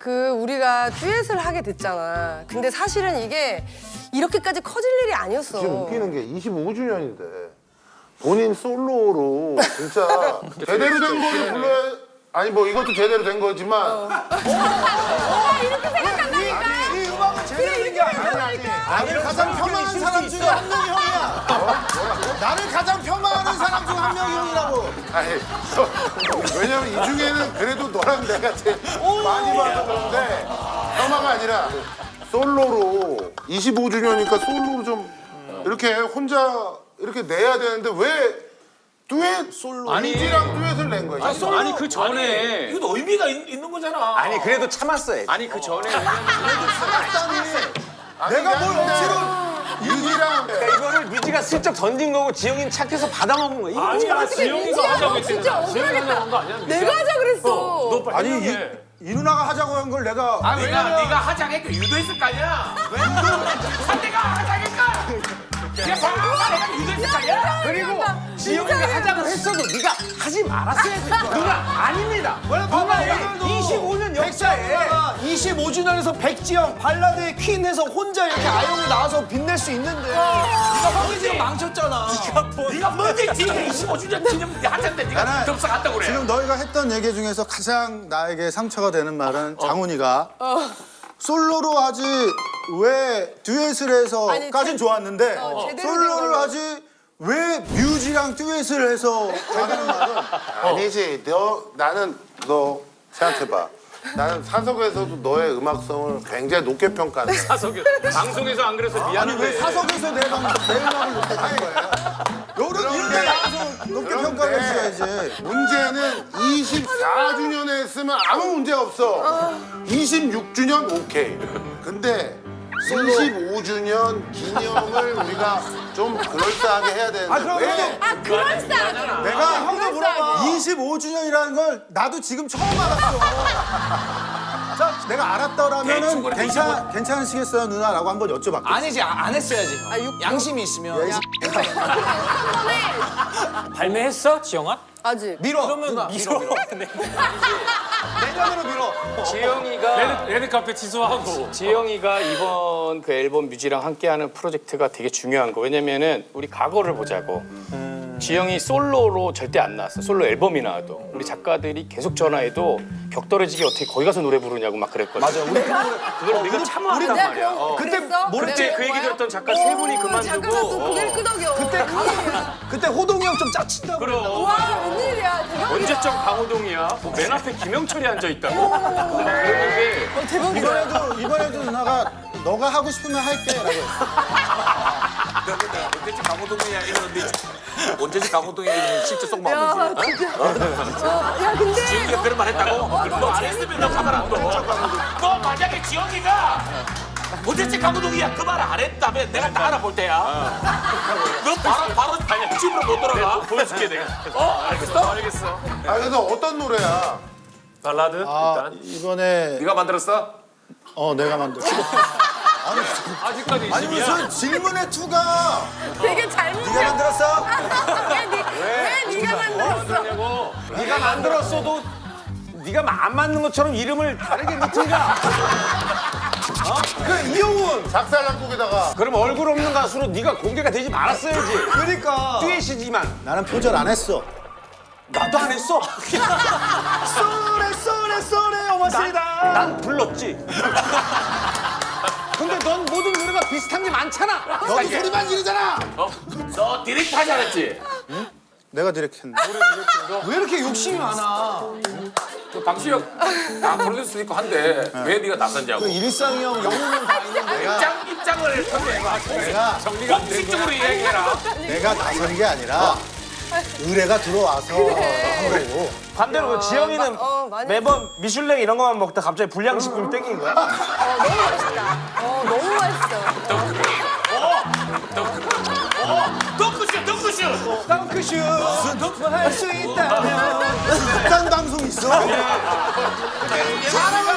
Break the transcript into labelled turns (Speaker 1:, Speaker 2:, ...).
Speaker 1: 우리가 듀엣을 하게 됐잖아. 근데 사실은 이게 이렇게까지 커질 일이 아니었어.
Speaker 2: 지금 웃기는 게 25주년인데 본인 솔로로 진짜 제대로 된 거를 불러야 아니 뭐 이것도 제대로 된 거지만
Speaker 1: 이렇게 생각한다니까.
Speaker 3: 이 음악은 제대로 된 게 아니야. 나를 가장 폄하하는 사람 중에 한 명이 형이야. 나를 가장 폄하하는 사람 중 한 명이 형이라고.
Speaker 2: 아니 왜냐면 이 중에는 그래도 너랑 내가 제일 많이 봐서 그런데 혐아가 아니라 솔로로 25주년이니까 솔로로 좀 이렇게 혼자 이렇게 내야 되는데 왜 듀엣 솔로 이지랑 듀엣을 낸 거야?
Speaker 4: 아니 그 전에
Speaker 5: 이것도 의미가 있는 거잖아.
Speaker 4: 아니 그래도 참았어요. 아니 그 전에
Speaker 3: 내가 뭘 억지로.
Speaker 2: 이지랑
Speaker 4: 이거를 뮤지가 슬쩍 던진 거고 지영이는 착해서 받아먹은 거야. 이거
Speaker 5: 아니야, 지영이가 하자고 했잖아.
Speaker 1: 진짜
Speaker 5: 지영이가 하자고 한 거 아니야?
Speaker 1: 내가 하자 그랬어.
Speaker 5: 너 빨리
Speaker 3: 아니
Speaker 5: 해명해.
Speaker 3: 이 누나가 하자고 한 걸 내가.
Speaker 5: 네가 하자니까 유도했을 거 아니야? 상대가 하자니까. 네가 상대가 유도했을 거 아니야?
Speaker 4: 그리고 지영이가 하자고 했어도 네가 하지 말았어야지. 누나 아닙니다. 누나 25년 역사에
Speaker 3: 25주년에서 백지영 발라드의 퀸 해서 혼자 이렇게 아영이 나와서 빛낼 수 있는데 네가 형이 지금 망쳤잖아.
Speaker 5: 네가 뭔데 지금 25주년 기념 하자인데 네가
Speaker 6: 나는
Speaker 5: 접속한다고 그래.
Speaker 6: 지금 너희가 했던 얘기 중에서 가장 나에게 상처가 되는 말은 장훈이가 솔로로 하지 왜 듀엣을 해서까진 좋았는데
Speaker 1: 제대로 된
Speaker 6: 솔로를
Speaker 1: 걸로.
Speaker 6: 하지 왜 뮤지랑 듀엣을 해서 가는 말은
Speaker 2: 아니지. 나는 너 생각해봐. 나는 사석에서도 너의 음악성을 굉장히 높게 평가한다.
Speaker 5: 사석이 방송에서 안 그래서
Speaker 6: 아니
Speaker 5: 미안한데.
Speaker 6: 왜 사석에서 내 음악을 높게 한 거야? 너는 이런 데 나가서 높게 평가를 해줘야지.
Speaker 2: 문제는 24주년에 했으면 아무 문제가 없어. 26주년 오케이. 근데 25주년 기념을 우리가 좀 그럴싸하게 해야 되는데
Speaker 3: 그럼
Speaker 2: 왜?
Speaker 1: 그럴싸하잖아.
Speaker 6: 내가
Speaker 3: 형도 물어봐.
Speaker 6: 25주년이라는 걸 나도 지금 처음 알았어. 자, 내가 알았더라면은
Speaker 5: 대충 그래,
Speaker 6: 괜찮으시겠어요 누나라고 한번 여쭤봤거든.
Speaker 3: 아니지 안 했어야지. 양심이 있으면.
Speaker 4: 발매했어 지영아?
Speaker 1: 아직.
Speaker 3: 밀어. 그러면 밀어. 내년으로 밀어.
Speaker 4: 지영이가
Speaker 5: 레드카페 취소하고.
Speaker 4: 지영이가 이번 그 앨범 뮤지랑 함께하는 프로젝트가 되게 중요한 거. 왜냐면은 우리 과거를 보자고. 지영이 솔로로 절대 안 나왔어. 솔로 앨범이 나와도 우리 작가들이 계속 전화해도 벽 떨어지게 어떻게 거기 가서 노래 부르냐고 막 그랬거든. 맞아. 그걸 우리가 참아왔단 말이야.
Speaker 1: 그때
Speaker 4: 그때 그 얘기 들었던 작가 세 분이
Speaker 1: 작가가 또
Speaker 4: 그만두고.
Speaker 1: 고개를 끄덕여.
Speaker 3: 그때 호동이 형 좀 짜친다고.
Speaker 4: 그럼
Speaker 1: 와 웬일이야. 대박이다.
Speaker 4: 언제적 강호동이야? 뭐맨 앞에 김영철이 앉아 있다고. 그랬는데
Speaker 1: 대박이다.
Speaker 6: 이번에도 누나가 너가 하고 싶으면 할게라고 했어.
Speaker 5: 언제쯤 강호동이야 이러는데 언제쯤 강호동이야 실제 속
Speaker 1: 야
Speaker 5: 마음이지.
Speaker 1: 진짜. 야 근데
Speaker 5: 지영이가 그런 말 했다고? 너 안 했으면 너 가만 안 둬. 너 만약에 지영이가 언제쯤 강호동이야 그 말 안 했다면 내가 다 알아볼 때야. 너 바로 집으로 못 돌아가.
Speaker 4: 보여줄게 내가.
Speaker 5: 알겠어.
Speaker 2: 아 그래서 어떤 노래야?
Speaker 5: 발라드
Speaker 6: 아
Speaker 5: 일단.
Speaker 6: 이번에
Speaker 5: 네가 만들었어?
Speaker 6: 내가 만들었어.
Speaker 5: 아직까지
Speaker 3: 아니
Speaker 5: 20이야.
Speaker 3: 무슨 질문의 투가
Speaker 1: 되게 잘못.
Speaker 3: 네가 만들었어?
Speaker 1: 왜 네가 만들었어?
Speaker 4: 네가 만들었어도 네가 안 맞는 것처럼 이름을 다르게 넣든가.
Speaker 3: 그 이영훈.
Speaker 2: 작살난국에다가
Speaker 4: 그럼 얼굴 없는 가수로 네가 공개가 되지 말았어야지.
Speaker 3: 그러니까.
Speaker 4: 듀엣이지만
Speaker 6: 나는 표절 안 했어.
Speaker 4: 나도 안 했어.
Speaker 3: 쏘레 어머시다.
Speaker 4: 난 불렀지. 근데 넌 모든 노래가 비슷한 게 많잖아.
Speaker 6: 너도 소리만 지르잖아.
Speaker 5: 너 디렉트 하지 않았지?
Speaker 6: 내가 디렉했는데.
Speaker 3: 왜 이렇게 욕심이 많아?
Speaker 5: 그 방시혁 프로듀서도 있고 한데 왜 네가 나섰냐고.
Speaker 3: 일상이 형, 영훈 형다 있는데.
Speaker 5: 입장을 설명해봐.
Speaker 6: 내가
Speaker 5: 공식적으로 이야기해라.
Speaker 6: 내가 나선 게 아니라 의뢰가 들어와서 한 거고.
Speaker 4: 반대로 그 지영이는
Speaker 1: 많이
Speaker 4: 매번 미슐랭 이런 거만 먹다 갑자기 불량식품 땡긴 거야?
Speaker 1: 너무 맛있다. 너무 맛있어.
Speaker 5: 덩크슛.
Speaker 3: 덩크슛 할수 있다면.
Speaker 6: 극단 방송 있어?
Speaker 3: 사랑을